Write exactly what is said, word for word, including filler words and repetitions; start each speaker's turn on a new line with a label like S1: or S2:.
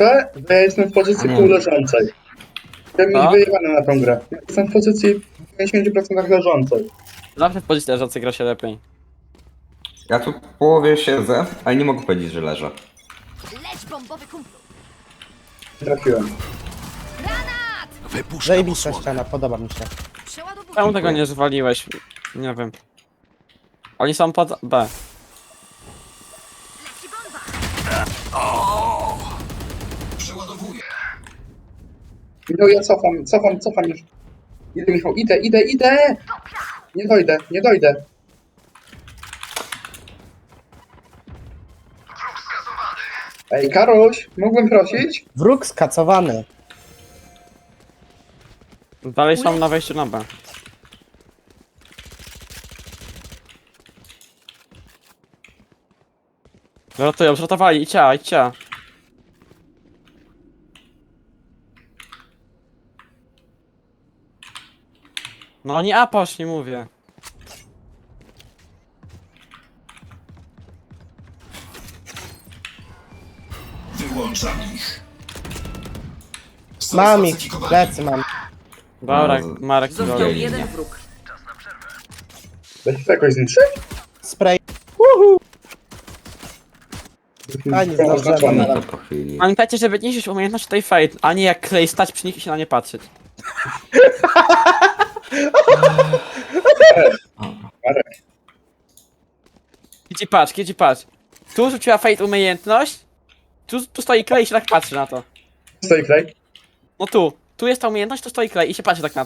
S1: jeszcze, że ja jestem w pozycji
S2: Nie.
S1: półleżącej. Jestem
S3: Co?
S1: mieć wyjebane na tą grę. Ja jestem w pozycji w pięćdziesiąt procent leżącej.
S3: Zawsze w pozycji leżącej gra się lepiej.
S2: Ja tu w połowie siedzę, ale nie mogę powiedzieć, że leżę.
S4: Leć bombowy kumplu!
S1: Nie trafiłem.
S4: Granat!
S5: Wypuszczam
S6: Zajebista
S5: osłonę.
S6: ściana, podoba mi się.
S4: Przeładowuję.
S3: Czemu tego nie zwaliłeś? Nie wiem. Oni są pod B.
S4: Leci bomba!
S5: Przeładowuję.
S1: No ja cofam, cofam, cofam już. Idę, Michał, idę, idę, idę! Nie dojdę, nie dojdę. Ej, Karoś, mógłbym prosić?
S6: Wróg skacowany.
S3: Dalej są na wejściu na B. Rotują, zrotowali, idźcie, idźcie. No oni A poszli, mówię.
S5: Wyłączam ich. Są
S6: Mam ich,
S5: spacyfikowani.
S6: plecy mam.
S3: Dobra,
S2: No, z-
S3: Marek,
S2: Został
S3: zrobił.
S2: jeden
S7: Jeden wróg.
S1: Da się to jakoś zniszczyć?
S6: Spray. A, nie
S1: Było
S6: zdążyłem.
S1: oznaczone.
S2: No to po chwili.
S3: Pamiętajcie, żeby niszczyć umiejętność tej fate, a nie jak klej stać przy nich i się na nie patrzeć.
S1: Marek,
S3: Kidzi patrz, Kidzi patrz. Tu rzuciła fate umiejętność, tu, tu stoi klej i się tak patrzy na to.
S1: stoi klej.
S3: No tu, tu jest ta umiejętność, tu stoi klej i się patrzy tak na